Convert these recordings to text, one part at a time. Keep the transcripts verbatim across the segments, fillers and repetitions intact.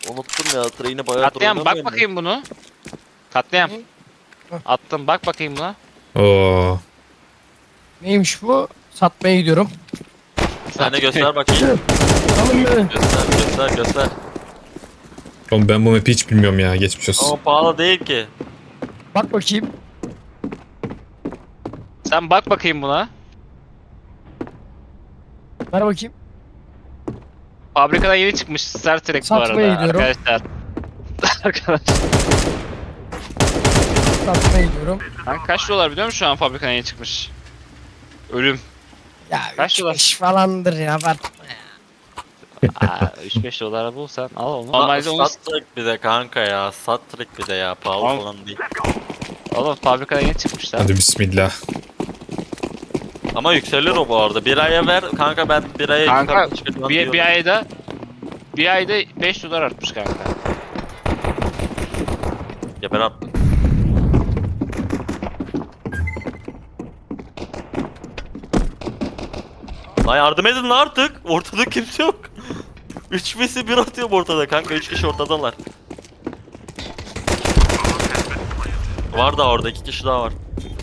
Unuttum ya. Treni bayağı Katliam bak bakayım bunu. Katliam. Attım bak bakayım buna. Oo. Neymiş bu? Satmaya gidiyorum. Sen de göster bakayım. Alın beni. Göster göster göster. Oğlum ben bu map'i hiç bilmiyorum ya. Geçmiş olsun. Ama pahalı değil ki. Bak bakayım. Sen bak bakayım buna. Ver bakayım. Fabrikadan yeni çıkmış Star Trek bu Satmaya arada gidiyorum. arkadaşlar. Arkadaşlar. Satmaya gidiyorum. Ben kaç dolar biliyor musun şu an fabrikadan yeni çıkmış? Ölüm. Ya Kaç üç dolar? beş falandır ya. Abartma ya. Aa, üç beş dolara bulsan al onu. Normalde Normalde onu Sattık bir de kanka ya. Sattık bir de ya. Pahalı Tamam. falan değil. oğlum fabrikadan yeni çıkmışlar. Hadi bismillah. Ama yükselir o bu arada. Bir aya ver kanka, ben bir aya Kanka yukarı çıkacağım bir, diyorum. bir ayda bir ayda beş dolar artmış kanka. Ya ben attım. Lan yardım edin lan artık. Ortada kimse yok. Üç vs bir atıyorum ortada kanka. Üç kişi ortadalar. Var da orada iki kişi daha var.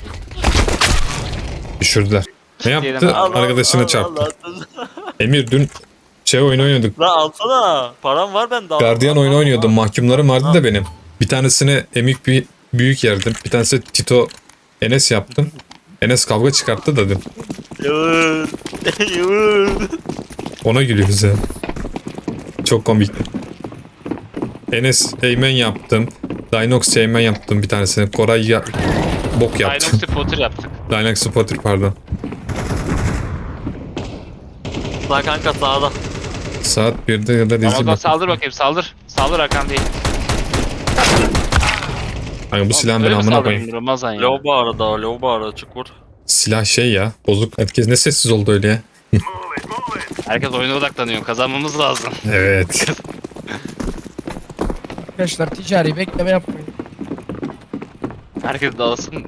Düşürdüler. Ne yaptı? Diyelim, Allah, Arkadaşını Allah, çarptı. Allah. Emir dün şey oyun oynuyorduk. Lan alsana. Param var bende. al. Gardiyan Al, oyunu al, oynuyordum. al. Mahkumlarım vardı da benim. Bir tanesine Emik bir büyük yerdim. Bir tanesi Tito Enes yaptım. Enes kavga çıkarttı da dün. Yavuz. Yavuz. Ona gülüyoruz ya. Çok komik. Enes Eymen yaptım. Dinox Eymen yaptım bir tanesini. Koray ya bok yaptım. Dinox Spotter yaptık. Dinox Spotter pardon. Lan kanka sağda. Saat birde ya da dizi Ramazan bak. saldır bakayım saldır. Saldır Hakan değil. Hani bu silahın ben Öyle mi amına saldırayım koyayım. Ramazan ya? Low bu arada. Low bu arada. Çık vur. Silah şey ya. Bozuk. Herkes ne sessiz oldu öyle ya. Herkes oyuna odaklanıyor. Kazanmamız lazım. Evet. Arkadaşlar ticari bekleme yapmayın. Herkes dağılsın.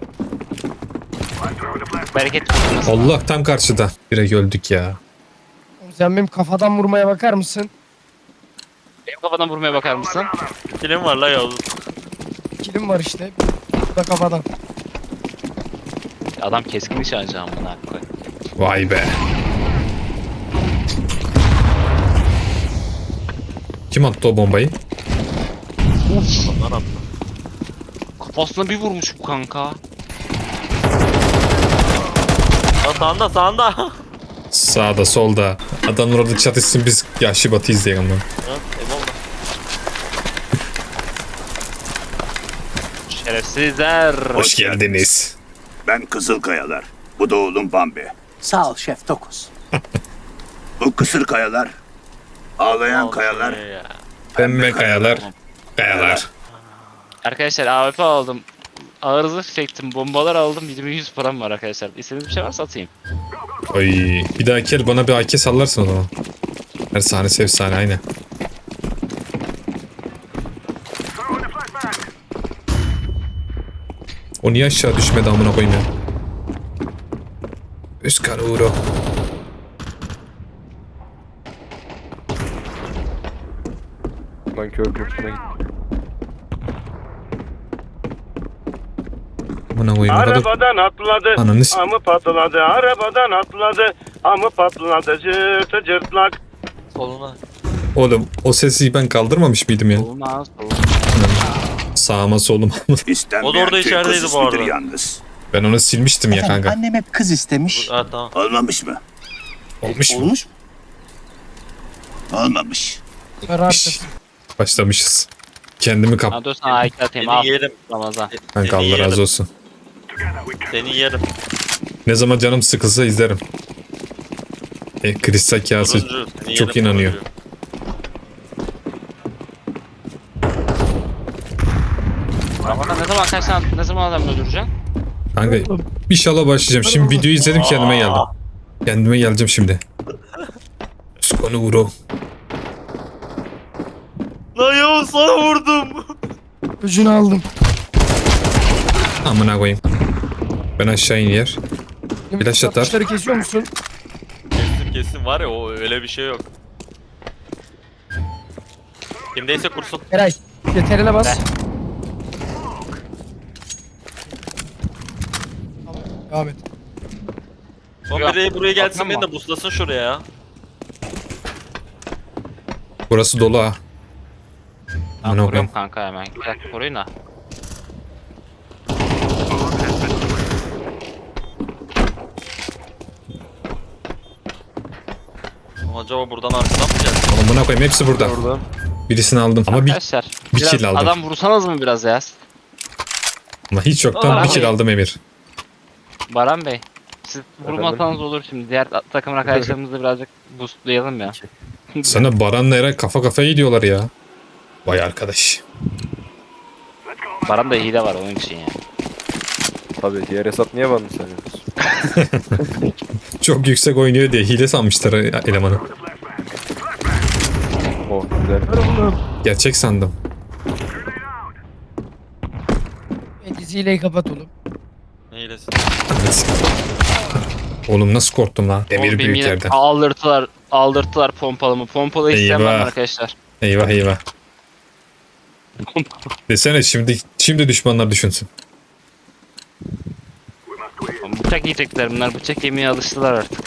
Bereket olsun. Allah tam karşıda. Direkt öldük ya. Sen benim kafadan vurmaya bakar mısın? Benim kafadan vurmaya bakar mısın? Kilim var la Yavuz. Kilim var işte. Bu da kafadan. Adam keskin nişancı amına koy. Vay be. Kim attı o bombayı? Onlar attı. Kafasına bir vurmuş bu kanka. Lan sağında sağında. Sağda solda. Adamlar orada çatışsın biz Yahşi Batı izleyelim lan. Evet, eyvallah. Şerefsizler. Hoş geldiniz. Ben Kızılkayalar. Bu da oğlum Bambi. Sağ ol Şef Dokuz. Bu kısır kayalar. Ağlayan Olsun kayalar. ya. Pembe kayalar. Kayalar. Arkadaşlar A W P aldım. Ağır zırh çektim. Bombalar aldım. yirmi yüz param var arkadaşlar. İstediğiniz bir şey varsa atayım. Oy. Bir dahaki el bana bir A K sallarsın o zaman. Her sahnesi efsane aynen. O niye aşağı düşmedi amına koyayım ya. Üskar Uğur'u. Ben kör kursuna gittim. Amına koyayım. Ne kadar... Arabadan atladı, Ananı s- amı patladı. Arabadan atladı, amı patladı. Cırtı cırtlak. Soluna. Oğlum o sesi ben kaldırmamış mıydım ya? Olmaz. Olmaz. Sağıma soluma. İstenmeyen O da orada köy içerideydi kız bu ismidir arada. yalnız. Ben onu silmiştim ya Efendim, kanka. annem hep kız istemiş. Ha tamam. Olmamış mı? Olmuş mu? Olmuş mu? Olmamış. Karartır. Başlamışız. Kendimi kap... Ha dur sana A iki atayım. Al Seni yerim. Ramazan. Kanka Seni Allah yerim. razı olsun. Seni yerim. Ne zaman canım sıkılsa izlerim. E, kristal kağısı Turuncu, seni çok yerim, inanıyor. turuncu. Ramazan ne zaman kaç tane ne zaman adam öldüreceksin? Kanka inşallah başlayacağım. Şimdi videoyu izledim kendime geldim. Kendime geleceğim şimdi. Skonu Uro. Lan Yavuz sana vurdum. Ucunu aldım. Amına koyayım. Ben aşağı iniyor. Flash atar. Satışları kesiyor musun? Kesin kesin var ya, o öyle bir şey yok. Kimdeyse kursun. Eray. Yeterine bas. Be. Tamam. Devam et. Son Yok. biri buraya gelsin Bakmam beni mı? de buslasın şuraya ya. Burası dolu ha. Ben Amına koruyorum koyayım. kanka hemen. Bir dakika koruyun da. Acaba buradan arkadan mı geldi? Oğlum buna koyayım hepsi burada. Oradan. Birisini aldım ama bir, Arkadaşlar. bir biraz kill aldım. adam vursanız mı biraz ya? ama hiç yoktan Aa, bir kill abi. aldım Emir. Baran Bey. Siz vurmasanız olur şimdi. Diğer ta- takım arkadaşlarımızı birazcık boostlayalım ya. Sana Baran'la Eray kafa kafaya gidiyorlar ya. Vay arkadaş. Baran da hile var onun için ya. Tabii diğer hesap niye bana sanıyorsun? Çok yüksek oynuyor diye hile sanmışlar elemanı. Oh güzel. Gerçek sandım. E, diziyle kapat oğlum. Neylesin? Oğlum nasıl korktum lan. Emir Oğlum benim büyük yine yerden. Aldırtılar, aldırtılar pompalımı. Pompalı isteyen var mı Eyvah. arkadaşlar? Eyvah eyvah. Desene şimdi şimdi düşmanlar düşünsün. Bıçak yiyecekler bunlar. Bıçak yemeye alıştılar artık.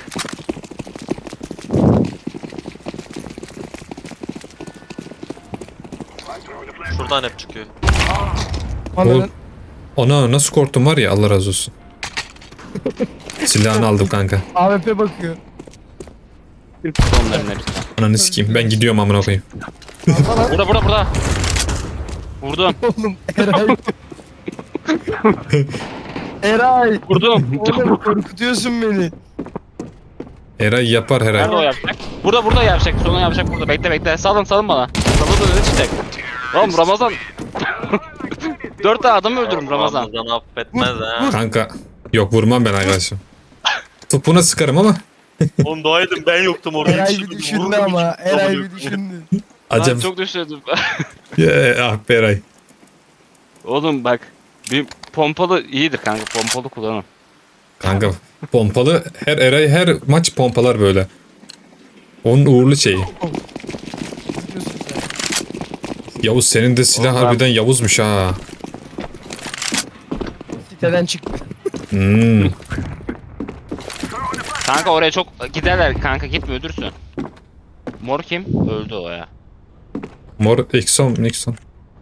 Şuradan hep çıkıyor. Anladın. Ona nasıl korktum var ya Allah razı olsun. Silahını aldım kanka. A W P bakıyor. Onların hepsi. Ananı sikeyim ben gidiyorum amına koyayım. Alma Burada burada burada. Vurdum. oğlum. Eray. Eray. Vurdum. Oğlum korkutuyorsun beni. Eray yapar Nerede o herhalde. yapacak? Burada burada yapacak. Sonu yapacak burada. Bekle bekle. Salın salın bana. Salın da öyle çıkacak. Oğlum Ramazan. Dört tane adam öldürürüm Ramazan. Ramazan affetmez ha. Kanka yok vurmam ben arkadaşım. Topuna sıkarım ama Oğlum dua edin ben yoktum orada. Eray bir Yetiştirdim, düşündü vurdum, ama. yetiştirdim, Eray vurdum. bir düşündü. Ben acaba çok düşündüm. Ya, ah be Eray. Oğlum bak. Bir pompalı iyidir kanka. Pompalı kullanın. Kanka pompalı her Eray her maç pompalar böyle. Onun uğurlu şeyi. Diyorsun sen. Yavuz senin de silah Oğlum ben- harbiden Yavuz'muş ha. Siteden çıktı. Hmm. Kanka oraya çok giderler kanka gitme öldürsün. Mor kim? Öldü o ya. Mor Exxon Nixon.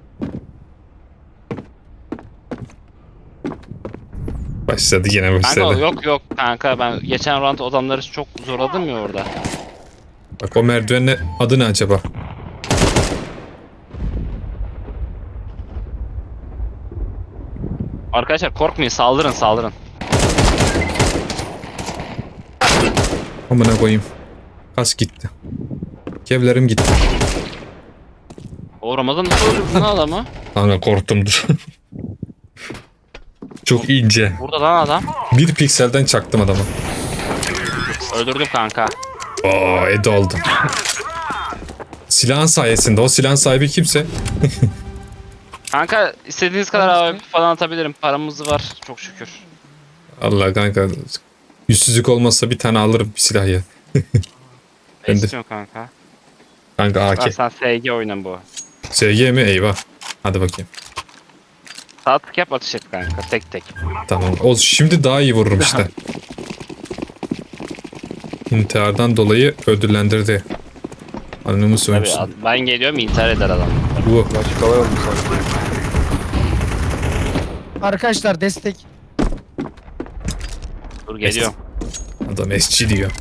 Başladı yine Kanka başladı. yok yok kanka ben geçen round adamları çok zorladım ya orada. Bak o merdivenle adı ne acaba? Arkadaşlar korkmayın saldırın saldırın. Amına koyayım. Kas gitti. Kevlerim gitti. O Ramazan nasıl öldürdün lan adamı? Kanka korktum dur. Çok ince. Burada lan adam. Bir pikselden çaktım adamı. Öldürdüm kanka. Oo Edo oldum. Silahın sayesinde. O silahın sahibi kimse. Kanka istediğiniz kadar A W P falan atabilirim. Paramız var çok şükür. Allah kanka. Yüzsüzlük olmazsa bir tane alırım bir silah ya. Ne Ben de- istiyorsun kanka? Kanka Lan A K. sen S G oynan bu. S G mi? Eyvah. Hadi bakayım. Sağ tık yap atış et kanka tek tek. Tamam. O şimdi daha iyi vururum işte. İntihardan dolayı ödüllendirdi. Anlamı Tabii söylemişsin. ad- ben geliyorum intihar eder adam. Bu. Maç kolay oldu sanki. Arkadaşlar destek. Dur geliyorum. Adam S G diyor.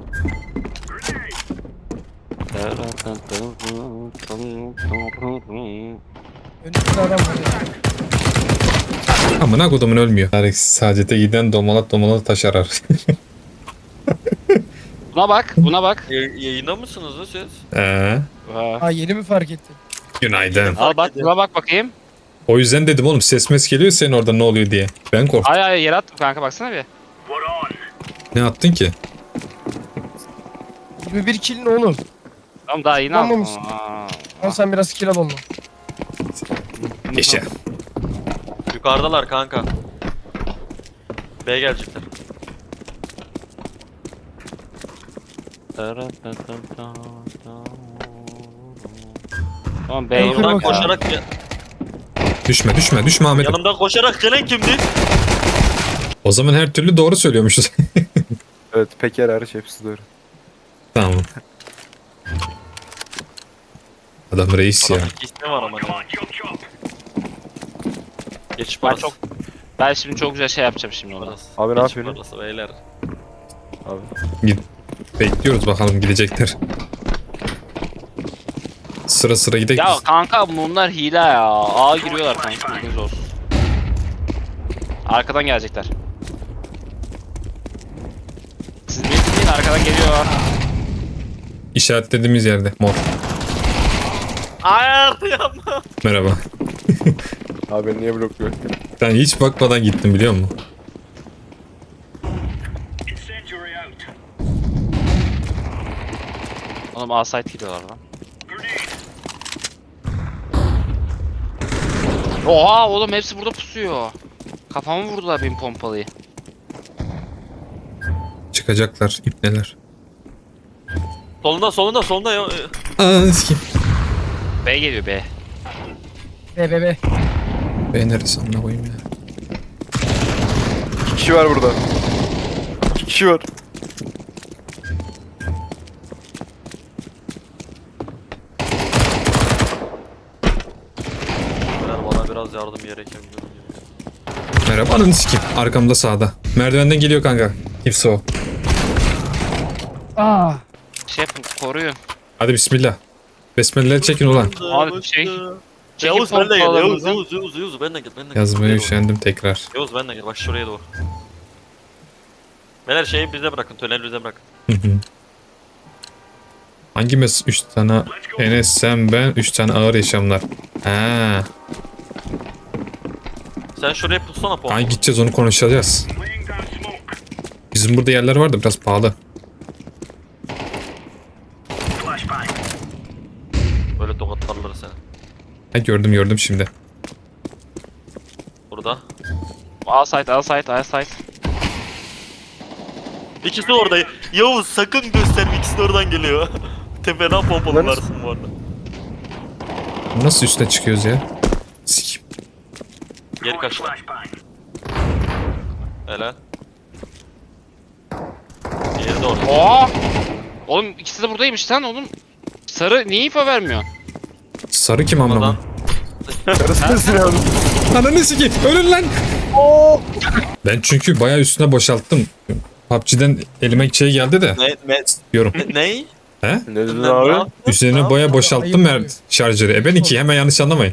Önümüzde adam var ya. Amına kodumun ölmüyor. Tarık Sacet'e giden domalat domalat taş arar. Buna bak buna bak. Y- yayında mısınız da siz? Ee, Aa. Aa yeni mi fark ettin? günaydın. Al bak buna bak bakayım. O yüzden dedim oğlum ses mes geliyor senin orada ne oluyor diye. Ben korktum. Ay ay yere attım kanka baksana bir. Ne attın ki? yirmi bir kill ne oğlum? Tamam daha yeni aldım. Anlamışsın. Aa. Al sen biraz kill al onunla. Yaşa. Yukarıdalar kanka. B gelecekler. Tamam B Yanımdan yok Yanımdan ya. koşarak ya- Düşme düşme düşme Ahmet'im. yanımdan koşarak gelen kimdi? O zaman her türlü doğru söylüyormuşuz. Evet Peker hariç hepsi doğru. Tamam. Adam reis ya. Adamın iki ismi var ama. ne? Geç Ben parası. çok ben şimdi çok güzel şey yapacağım şimdi orada. Parası. Abi ne Geç yapıyorsun? parası beyler. Abi. Gid- Bekliyoruz bakalım gidecekler. Sıra sıra gidelim. Ya kanka bunlar hile ya. A giriyorlar kanka. Bilginiz olsun. Arkadan gelecekler. Siz bekleyin, arkadan geliyorlar. İşaretlediğimiz yerde mor. Hayır yapma. Merhaba. Abi beni niye blokluyor? Sen hiç bakmadan gittin biliyor musun? Oğlum A site gidiyorlar lan. Oha oğlum hepsi burada pusuyor. Kafamı vurdular benim pompalıyı. Çıkacaklar ipneler. Solunda solunda solunda ya. Aa sikeyim. B geliyor B. Be be be. Ben neresi amına koyayım ya. İki kişi var burada. İki kişi var. Beyler bana biraz yardım gerekebilir. Merhaba ananı sikeyim. Arkamda sağda. Merdivenden geliyor kanka. Kimse o. Aa. Şef koruyun. Hadi bismillah. Besmeleleri çekin ulan. Abi şey. Yavuz ben de gel. Yavuz pompalarınızı. Yavuz Yavuz Yavuz ben de gel. Ben de gel. Yazmaya Yavuz. üşendim tekrar. Yavuz ben de gel. Bak şuraya doğru. Beyler şeyi bize bırakın. Tüneli bize bırakın. Hı hı. Hangi mes? Üç tane Enes sen ben. Üç tane ağır yaşamlar. Ha. Sen şuraya pussana pompa. Hangi gideceğiz onu konuşacağız. Bizim burada yerler var da biraz pahalı. Böyle tokatlarlar seni. Ha gördüm gördüm şimdi. Burada. A site A site A site. İkisi de orada. Yavuz sakın gösterme, ikisi de oradan geliyor. Tepeden pompalılarsın bu arada. Nasıl üstüne çıkıyoruz ya? Sikeyim. Geri kaçtı. Helal. Diğeri de orada. Oha! Oğlum ikisi de buradaymış lan oğlum. Sarı niye info vermiyor? Sarı kim amına Oradan. koyayım? Karısı nesin abi? Ananı sikeyim. Ölün lan. Ben çünkü bayağı üstüne boşalttım. P U B G'den elime şey geldi de Ne? Ne? diyorum. Ney? He? Ne dedin abi? Üzerine baya boşalttım mer şarjörü. E ben iki hemen yanlış anlamayın.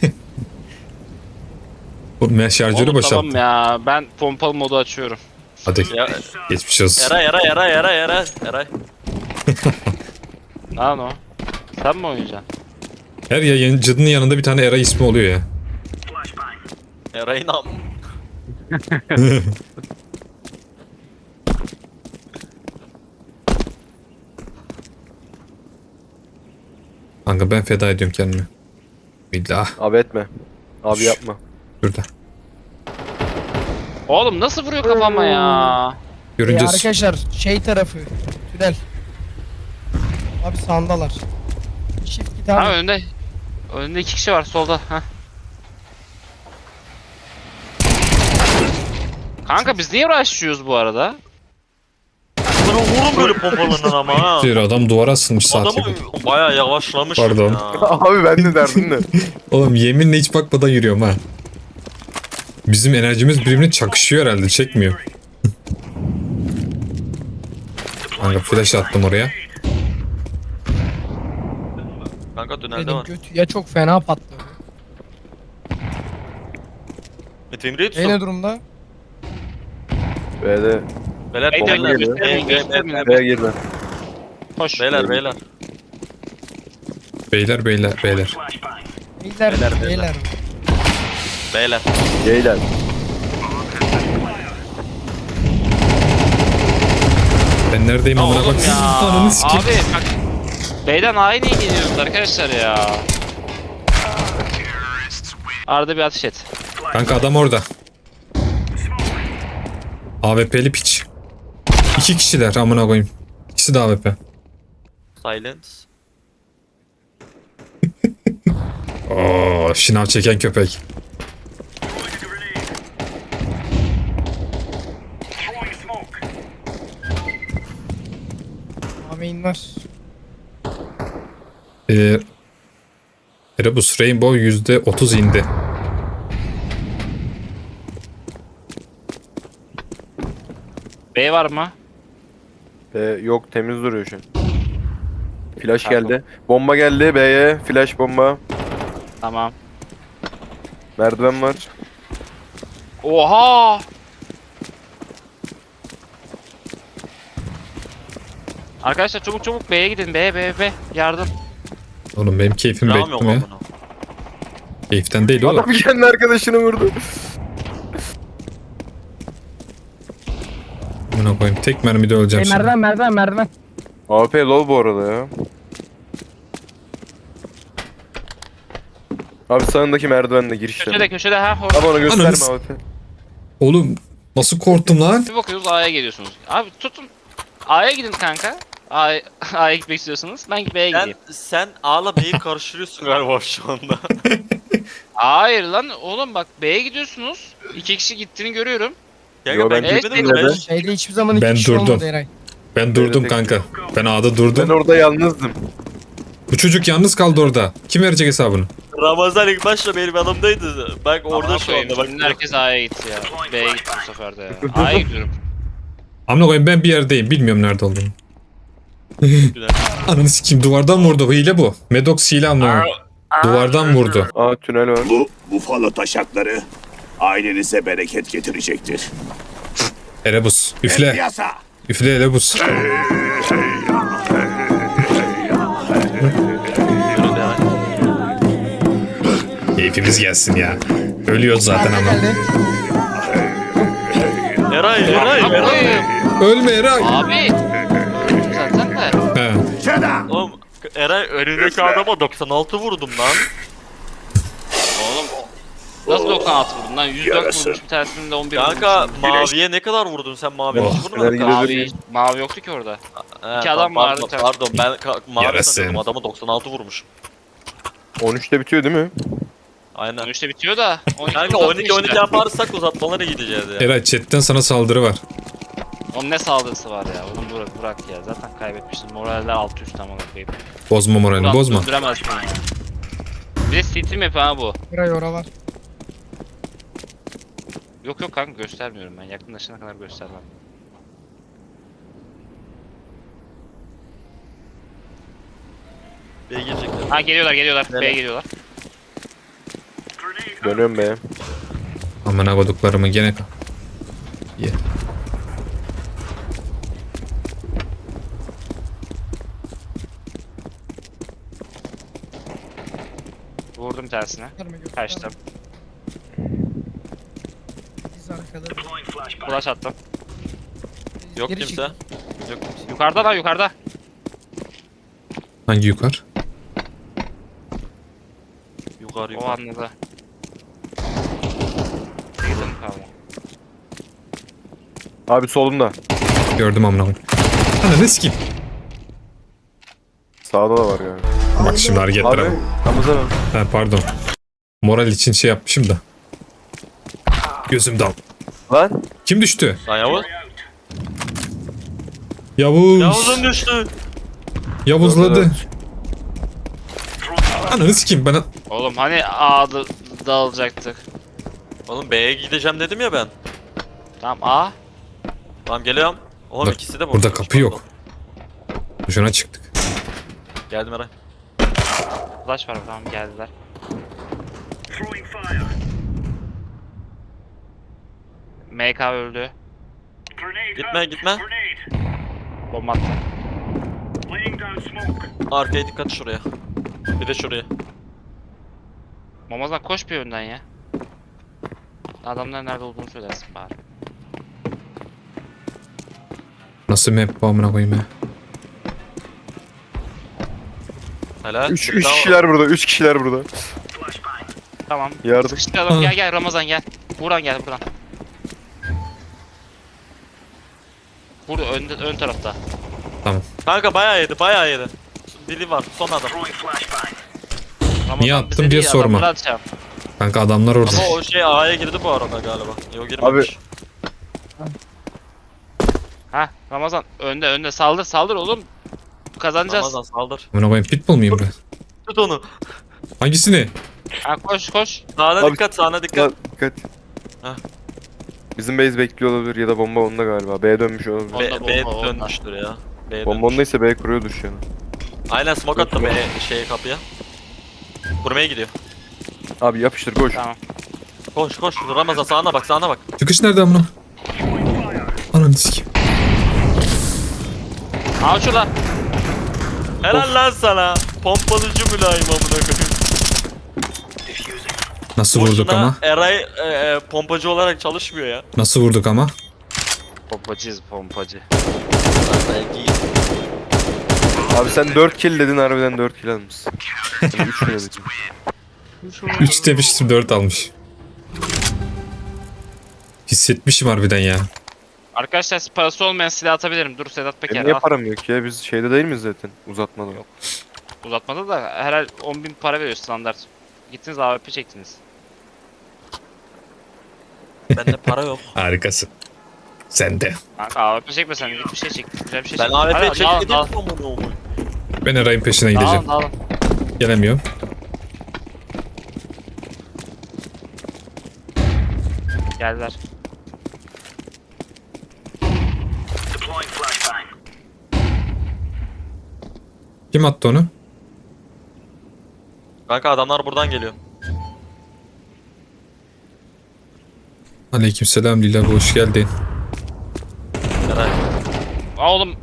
Bu mer şarjörü Oğlum boşalttım. tamam ya ben pompalı modu açıyorum. Hadi Ya, geçmiş olsun. Eray Eray Eray Eray Eray Eray. Lan o. Sen mi oynayacaksın? Her yayıncının yanında bir tane Eray ismi oluyor ya. Eray'ın am. Kanka ben feda ediyorum kendimi. Billah. Abi etme. Abi yapma. Şurada. Oğlum nasıl vuruyor kafama ya? Ee, Görünce arkadaşlar şey tarafı. Tünel. Abi sağındalar. Shift git Ha abi. önde. Önde iki kişi var solda. Ha. Kanka biz niye rush'lıyoruz bu arada? Bana vurun böyle pompalarından ama ha. diyor adam duvara asılmış saat Adamı gibi. bayağı yavaşlamış Pardon. ya. Abi ben de derdim de. Oğlum yeminle hiç bakmadan yürüyorum ha. Bizim enerjimiz birbirine çakışıyor herhalde çekmiyor. Kanka flash attım oraya. Kanka tünelde Benim var. götü ya çok fena patladı. Metin Emre'yi E ne tutun. durumda? B'de. Beyler Beyler, beyler geliyor. göstermeyin, beyler göstermeyin. B'ye girdi. Koş. beyler beyler. Beyler beyler beyler. Beyler Beyler, beyler. beyler. Beyler. Geyler. Ben neredeyim amına Oğlum bak. ya. Ananı sikeyim. Abi bak. B'den A'ya niye gidiyorsunuz arkadaşlar ya? Arada bir ateş et. Kanka adam orada. A W P'li piç. İki kişiler amına koyayım. İkisi de A W P. Silence. Oo, şınav çeken köpek. Amin var. Ee, Erebus Rainbow yüzde otuz indi. B var mı? Ee, yok temiz duruyor şu an. Flash geldi. Bomba geldi B'ye. Flash bomba. Tamam. Merdiven var. Oha! Arkadaşlar çabuk çabuk B'ye gidin. B, B, B. Yardım. Oğlum benim keyfim Devam bekliyorum yok ya. lan bunu. Keyiften değil oğlum. Adam kendi arkadaşını vurdu. Buna koyayım. Tek mermide Hey, öleceğim şimdi. merdiven merdiven merdiven. A P low bu arada ya. Abi sağındaki merdivenle girişte. Köşede köşede ha. Hor. Abi onu gösterme Ananı A P. Oğlum nasıl korktum lan? Bir bakıyoruz A'ya geliyorsunuz. Abi tutun. A'ya gidin kanka. A'ya A'ya gitmek istiyorsanız. Ben B'ye Sen, gideyim. sen A'la B'yi karıştırıyorsun galiba şu anda. Hayır lan oğlum bak B'ye gidiyorsunuz. İki kişi gittiğini görüyorum. Kanka Yo, ben ben gitmedim gittim de ben. de. Şeyde hiçbir zaman iki Ben kişi durdum. olmadı Eray. Ben durdum tek- kanka. Ben A'da Ben durdum. orada yalnızdım. Bu çocuk yalnız kaldı orada. Kim verecek hesabını? Ramazan ilk başta benim yanımdaydı. Bak orada Amına şu koyayım, anda bak. şimdi herkes A'ya gitti ya. B'ye gitti bu sefer de ya. A'ya gidiyorum. Amına koyayım ben bir yerdeyim. Bilmiyorum nerede olduğumu. Güzel. Ananı sikeyim duvardan vurdu. Hile bu. Medox hile ama. Duvardan vurdu. Aa tünel var. Bu bufalo taşakları ailenize bereket getirecektir. Erebus. Üfle. Yasa! Üfle Erebus. Keyfimiz gelsin ya. Ölüyoruz zaten ama. Geldi. Eray, Eray, Amına Eray. koyayım. Ölme Eray. Abi. Zaten de. He. Oğlum Eray önündeki adama doksan altı vurdum lan. Oğlum. Nasıl doksan altı vurdun lan? yüz dört Yarası. vurmuş bir tanesinin de on bir Kanka vurmuş. maviye ne kadar vurdun sen maviye? Oh, Hiç vurmadın neler kanka. gidiyor? Mavi, mavi yoktu ki orada. He, İki adam pardon, vardı, Pardon ben ka- mavi Yarası. sanıyordum adamı doksan altı vurmuş. on üçte bitiyor değil mi? Aynen. on üçte bitiyor da. on iki Kanka uzattın on iki on iki işte. yaparsak uzatmalara gideceğiz ya. Eray chatten sana saldırı var. Onun ne saldırısı var ya? Onu bırak, bırak ya. Zaten kaybetmişsin. Moraller altı üst ama koyayım. Bozma moralini Ulan bozma. döndüremezsin ya. Bir de City map ha bu. Eray oralar. Yok yok kanka göstermiyorum ben. Yakınlaşana kadar göstermem. B'ye girecekler. Ha geliyorlar geliyorlar. Nereye? B'ye geliyorlar. Dönüyorum be. Amına koduklarımı gene kal. Ye. Vurdum tersine. Gösterme, gösterme. Kaçtım. Biz arkada. Flash attım. Yok Geri kimse. çık. Yok kimse. Yukarıda lan yukarıda. Hangi yukarı? Yukarı O yukarı. anladı. Girdim kaldı. Abi solumda. Gördüm amına koyayım. Ananı sikeyim. Sağda da var yani. Bak şimdi hareketlere Abi bak. Ramazan abi. Ha, pardon. Moral için şey yapmışım da. Gözüm dal. Lan. Kim düştü? Lan Yavuz. Yavuz. Yavuz'un düştü. Yavuzladı. Ananı sikeyim bana. Oğlum hani A'da dağılacaktık. Oğlum B'ye gideceğim dedim ya ben. Tamam A. Tamam geliyorum. Oğlum Bak, ikisi de burada boşmuş, kapı yok. pardon. Boşuna çıktık. Geldim Eray. Flash var tamam geldiler. M K öldü. Gitme gitme. Bomba attı. Arkaya dikkat şuraya. Bir de şuraya. Mamazan koş bir önden ya. Adamların nerede olduğunu söylersin bari. Nasıl map bu amına koyayım ya? Helal. Üç, Bir üç daha- kişiler burada. Üç kişiler burada. Tamam. Yardım. Sıkıştıralım. Aa. Gel gel Ramazan gel. Buradan gel buradan. Burada ön, ön tarafta. Kanka bayağı yedi bayağı yedi. Dili var son adam. Ramazan Niye attım bize diye değil, sorma. adamlara atacağım. Kanka adamlar orada. Ama o şey A'ya girdi bu arada galiba. Yok girmemiş. Ha Ramazan önde önde saldır saldır oğlum. Kazanacağız. Ramazan saldır. Amına koyayım pitbull muyum ben? Tut onu. Hangisini? Ha koş koş. Sağına Abi- dikkat sağına Dikkat. dikkat. Dikkat. Heh. Bizim base bekliyor olabilir ya da bomba onda galiba. B'ye dönmüş olabilir. Onda B, bomba, B onda. dönmüştür ya. B Bomba dönmüş. ondaysa B kuruyordur şu an. Aynen smoke attı B şeye kapıya. Kurmaya gidiyor. Abi yapıştır koş. Tamam. Koş koş Ramazan sağına bak sağına bak. Çıkış nerede amına? Ananı sikeyim. Al şurada. Helal lan sana. Pompalıcı mülayim amına koyayım. Nasıl vurduk Boşuna ama? Eray e, e, pompacı olarak çalışmıyor ya. Nasıl vurduk ama? Pompacıyız pompacı. Belki Abi sen dört kill dedin harbiden dört kill almışsın. Ben üç kill dedim. üç demiştim dört almış. Hissetmişim harbiden ya. Arkadaşlar parası olmayan silah atabilirim. Dur Sedat Peker Benim niye al. param yok ya? Biz şeyde değil miyiz zaten? Uzatmalı. Yok. Uzatmada da herhal on bin para veriyor standart. Gittiniz A W P çektiniz. bende para yok. Harikasın. Sen de. Kanka A W P çekmesen git bir şey çek. Güzel bir şey Ben çek. A W P Hadi, dağılın, çekmedim dağılın. amına koyayım. Ben Eray'ın peşine gideceğim. Dağılın dağılın. Gelemiyorum. Geldiler. Kim attı onu? Kanka adamlar buradan geliyor. Aleykümselam Lila hoş geldin. Eray. Aa oğlum.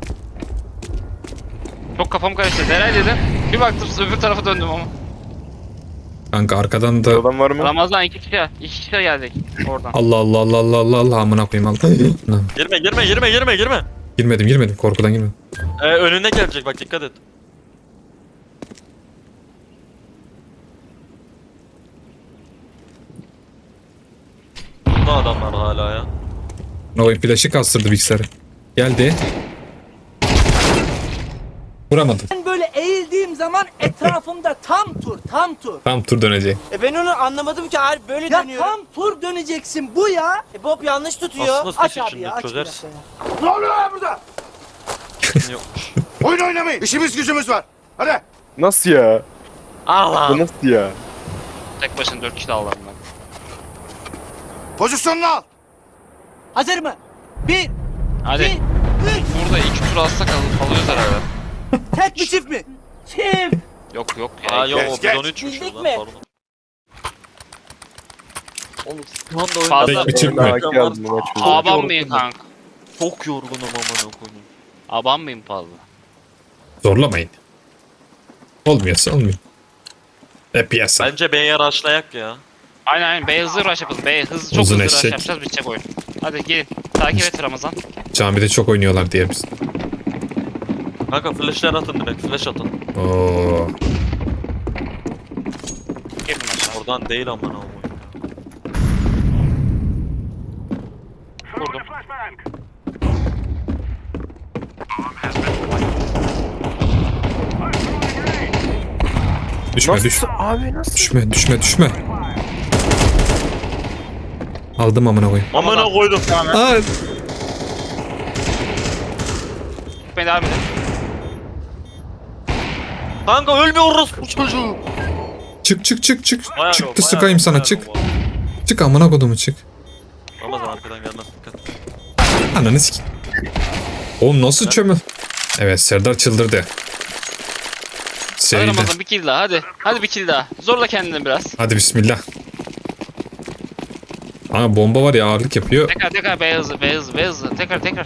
Çok kafam karıştı. Nereye dedim? Bir baktım öbür tarafa döndüm ama. Kanka arkadan da Adam var mı? Ramazan iki kişi, iki kişi geldik oradan. Allah Allah Allah Allah Allah Allah amına koyayım Allah. Lan, Girme girme girme girme girme. girmedim girmedim korkudan girmedim. Ee, önüne gelecek bak dikkat et. Burada adamlar hala ya. Ne oyun flaşı kastırdı bilgisayarı. Geldi. Vuramadım. Ben böyle eğildiğim zaman etrafımda tam tur, tam tur. Tam tur dönecek. E ben onu anlamadım ki abi böyle Ya dönüyorum. tam tur döneceksin bu ya. E Bob yanlış tutuyor. Aslında Aç switch abi içinde ya, aç bir çözersin. dakika ya. Ne oluyor lan burada? Yokmuş. Oyun oynamayın. İşimiz gücümüz var. Hadi. Nasıl ya? Allah. Bu nasıl ya? Tek başına dört kişi aldım ben. Pozisyonunu al. Hazır mı? Bir, Hadi. iki, üç. Burada iki tur alsak al alıyoruz herhalde. Tek mi çift mi? Çift. Yok yok ya. Aa yok Geç, o geç. bidon üçmüş Bildik lan mi? pardon. Oğlum şu anda oyunda Fazla- Tek bir çift Ben mi? haki aldım bu maç. Çok Aban yorgunum. mıyım kanka? Çok yorgunum amına koyayım. Aban mıyım fazla? Zorlamayın. Olmuyorsa olmuyor. Hep yasa. Bence B'ye rushlayak ya. Aynen aynen B hızlı rush yapalım. B hızlı çok Uzun hızlı rush eşek. yapacağız bitecek oyun. Hadi gelin. Takip et Ramazan. Camide çok oynuyorlar diye biz. Kanka flashler atın direkt flash atın. Oo. Gelin aşağı. Oradan değil amına koyayım. Vurdum. Düşme Nasıl? düş. Abi nasıl? Düşme düşme düşme. Aldım amına koyayım. Amına koydum. Aa, Ben devam edin. Kanka ölmüyoruz bu çocuğu. çık çık çık çık. Bayağı Çıktı yok, sıkayım bayağı sana yok, çık. bayağı yok. Çık amına kodumu çık. Ramazan arkadan gelmez dikkat. Ananı sik. Oğlum nasıl çömü? Evet Serdar çıldırdı. Hadi Seride. Ramazan bir kill daha hadi. Hadi bir kill daha. Zorla kendini biraz. Hadi bismillah. Aa bomba var ya ağırlık yapıyor. Tekrar tekrar B hızlı B hızlı B hızlı. Tekrar tekrar.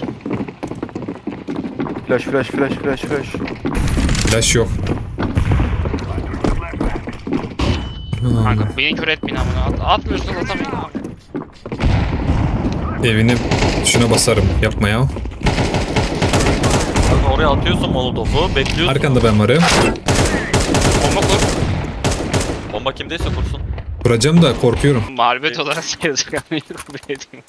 Flash flash flash flash flash. Flash yok. Aa, Kanka beni kör etmeyin amına. At, atmıyorsun atamayın abi. evini şuna basarım. Yapma ya. Kanka oraya atıyorsun molotofu bekliyorsun. Arkanda ben varım. Bomba kur. Bomba kimdeyse kursun. Kuracağım da korkuyorum. Mağlubiyet olarak sayılacak ama kabul ediyorum.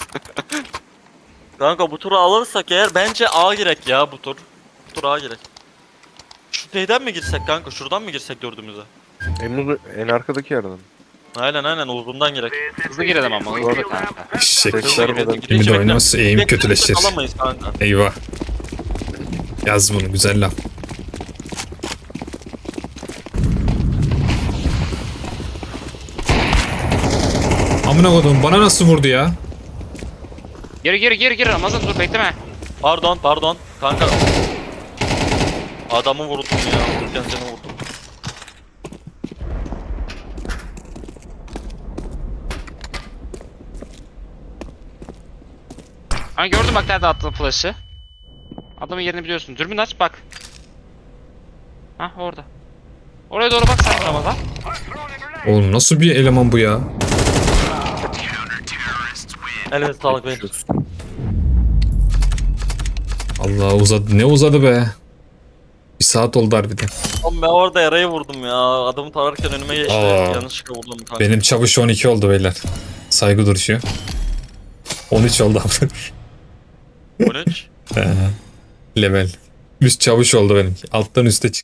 Kanka bu turu alırsak eğer bence A girek ya bu tur. Bu tur A girek. Şu neyden mi girsek kanka? Şuradan mı girsek dördümüze? Temmuz en arkadaki yerden. Aynen aynen uzundan gerek. Hızlı girelim ama hızlı kanka. Eşek. Sesler falan. Şimdi de oynamazsa eğim kötüleşir. Alamayız kanka. Eyvah. Yaz bunu, güzel laf. Amına kodum, bana nasıl vurdu ya? Geri geri geri geri Ramazan dur bekleme. Pardon pardon kanka. Adamı vurdum ya. Vururken seni vurdum. Ha gördüm bak nerede attığın flash'ı. Adamın yerini biliyorsun. Dürbün aç bak. Hah orada. Oraya doğru bak sen Ramazan. Oğlum nasıl bir eleman bu ya? Elinize sağlık beyler. Allah uzadı, ne uzadı be? Bir saat oldu harbiden. Oğlum ben orada yarayı vurdum ya. Adamı tararken önüme geçti. Aa. Yanlışlıkla vurdum kanka. Benim çavuş on iki oldu beyler. Saygı duruşu. on üç oldu abi. on üç. Level. Üst çavuş oldu benimki. Alttan üste çık.